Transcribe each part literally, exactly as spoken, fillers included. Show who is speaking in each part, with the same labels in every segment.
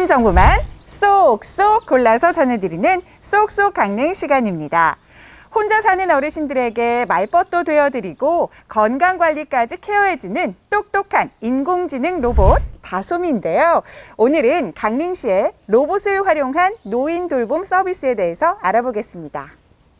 Speaker 1: 모든 정보만 쏙쏙 골라서 전해드리는 쏙쏙 강릉 시간입니다. 혼자 사는 어르신들에게 말벗도 되어드리고 건강관리까지 케어해주는 똑똑한 인공지능 로봇 다솜이인데요. 오늘은 강릉시의 로봇을 활용한 노인 돌봄 서비스에 대해서 알아보겠습니다.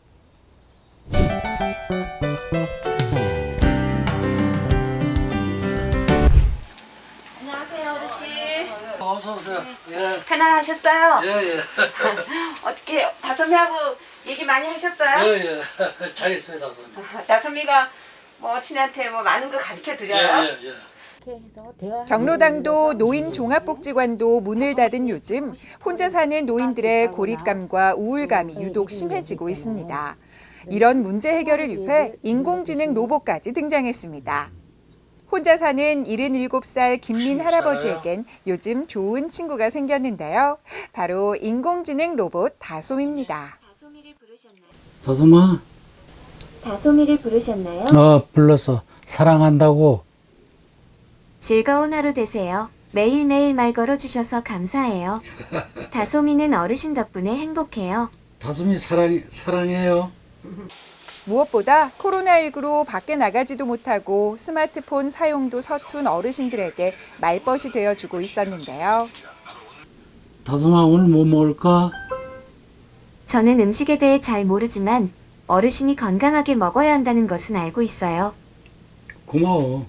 Speaker 2: 안녕하세요, 어르신.
Speaker 3: 어서 오세요. 예.
Speaker 2: 편안하셨어요?
Speaker 3: 예, 예.
Speaker 2: 어떻게 다솜이하고 얘기 많이 하셨어요?
Speaker 3: 예, 예. 잘했어요, 다솜이.
Speaker 2: 다솜이가 뭐 신한테 뭐 많은 거 가르쳐 드려요?
Speaker 3: 예, 예, 예.
Speaker 1: 경로당도 노인 종합복지관도 문을 닫은 요즘 혼자 사는 노인들의 고립감과 우울감이 유독 심해지고 있습니다. 이런 문제 해결을 위해 인공지능 로봇까지 등장했습니다. 혼자 사는 일흔일곱 살 김민 할아버지에겐 요즘 좋은 친구가 생겼는데요. 바로 인공지능 로봇 다솜입니다.
Speaker 4: 다솜이를 부르셨나요?
Speaker 3: 다솜아.
Speaker 4: 다솜이를 부르셨나요?
Speaker 3: 어, 불렀어. 사랑한다고.
Speaker 4: 즐거운 하루 되세요. 매일매일 말 걸어주셔서 감사해요. 다솜이는 어르신 덕분에 행복해요.
Speaker 3: 다솜이 사랑, 사랑해요.
Speaker 1: 무엇보다 코로나십구로 밖에 나가지도 못하고 스마트폰 사용도 서툰 어르신들에게 말벗이 되어주고 있었는데요.
Speaker 3: 다솜아, 오늘 뭐 먹을까?
Speaker 4: 저는 음식에 대해 잘 모르지만 어르신이 건강하게 먹어야 한다는 것은 알고 있어요.
Speaker 3: 고마워.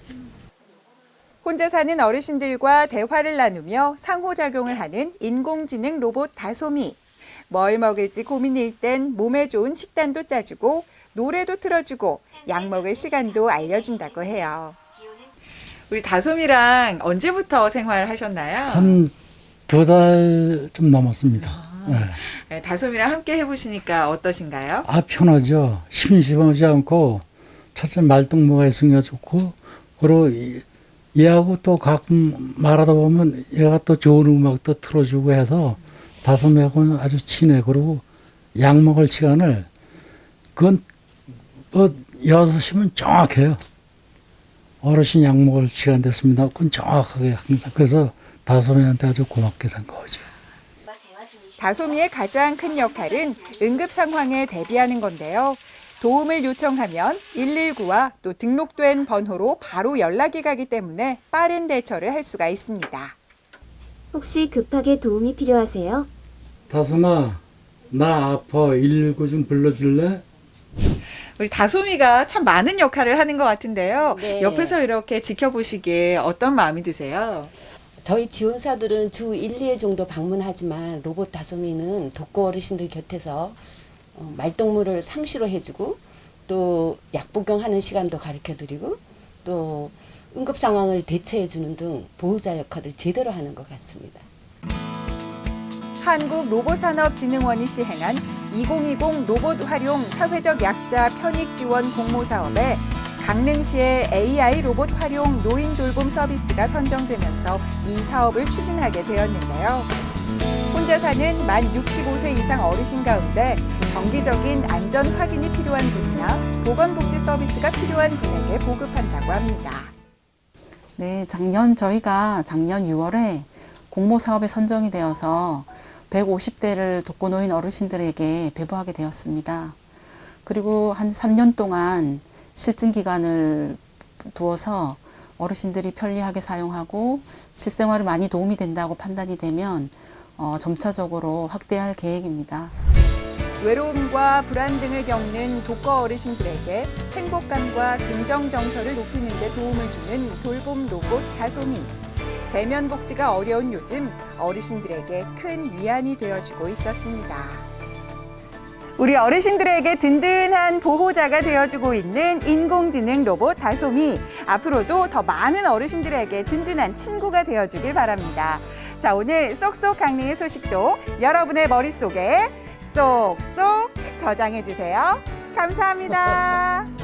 Speaker 1: 혼자 사는 어르신들과 대화를 나누며 상호작용을 하는 인공지능 로봇 다솜이. 뭘 먹을지 고민일 땐 몸에 좋은 식단도 짜주고 노래도 틀어주고 약 먹을 시간도 알려준다고 해요. 우리 다솜이랑 언제부터 생활하셨나요?
Speaker 3: 한 두 달 좀 넘었습니다. 네.
Speaker 1: 네, 다솜이랑 함께 해보시니까 어떠신가요?
Speaker 3: 아, 편하죠. 심심하지 않고, 첫째 말동무가 있으니까 좋고, 그리고 이- 얘하고 또 가끔 말하다 보면 얘가 또 좋은 음악도 틀어주고 해서 다솜이하고는 아주 친해. 그리고 약 먹을 시간을, 그건 뭐 여섯 시면 정확해요. 어르신 약 먹을 시간 됐습니다. 그건 정확하게 항상. 그래서 다솜이한테 아주 고맙게 생각하죠.
Speaker 1: 다솜이의 가장 큰 역할은 응급 상황에 대비하는 건데요. 도움을 요청하면 일일구와 또 등록된 번호로 바로 연락이 가기 때문에 빠른 대처를 할 수가 있습니다.
Speaker 4: 혹시 급하게 도움이 필요하세요?
Speaker 3: 다솜아, 나 아파. 일일구 좀 불러줄래?
Speaker 1: 우리 다솜이가 참 많은 역할을 하는 것 같은데요.
Speaker 5: 네.
Speaker 1: 옆에서 이렇게 지켜보시기에 어떤 마음이 드세요?
Speaker 5: 저희 지원사들은 주 일, 이 회 정도 방문하지만 로봇 다솜이는 독거 어르신들 곁에서 어, 말동무를 상시로 해주고 또 약 복용하는 시간도 가르쳐드리고 또 응급 상황을 대처해주는 등 보호자 역할을 제대로 하는 것 같습니다.
Speaker 1: 한국로봇산업진흥원이 시행한 이천이십 로봇 활용 사회적 약자 편익 지원 공모 사업에 강릉시의 에이아이 로봇 활용 노인 돌봄 서비스가 선정되면서 이 사업을 추진하게 되었는데요. 혼자 사는 만 육십오 세 이상 어르신 가운데 정기적인 안전 확인이 필요한 분이나 보건복지 서비스가 필요한 분에게 보급한다고 합니다.
Speaker 6: 네, 작년 저희가 작년 유월에 공모 사업에 선정이 되어서 백오십 대를 독거노인 어르신들에게 배부하게 되었습니다. 그리고 한 삼 년 동안 실증 기간을 두어서 어르신들이 편리하게 사용하고 실생활에 많이 도움이 된다고 판단이 되면 어, 점차적으로 확대할 계획입니다.
Speaker 1: 외로움과 불안 등을 겪는 독거 어르신들에게 행복감과 긍정 정서를 높이는 데 도움을 주는 돌봄 로봇 다솜이. 대면 복지가 어려운 요즘 어르신들에게 큰 위안이 되어주고 있었습니다. 우리 어르신들에게 든든한 보호자가 되어주고 있는 인공지능 로봇 다솜이. 앞으로도 더 많은 어르신들에게 든든한 친구가 되어주길 바랍니다. 자, 오늘 쏙쏙 강릉의 소식도 여러분의 머릿속에 쏙쏙 저장해주세요. 감사합니다.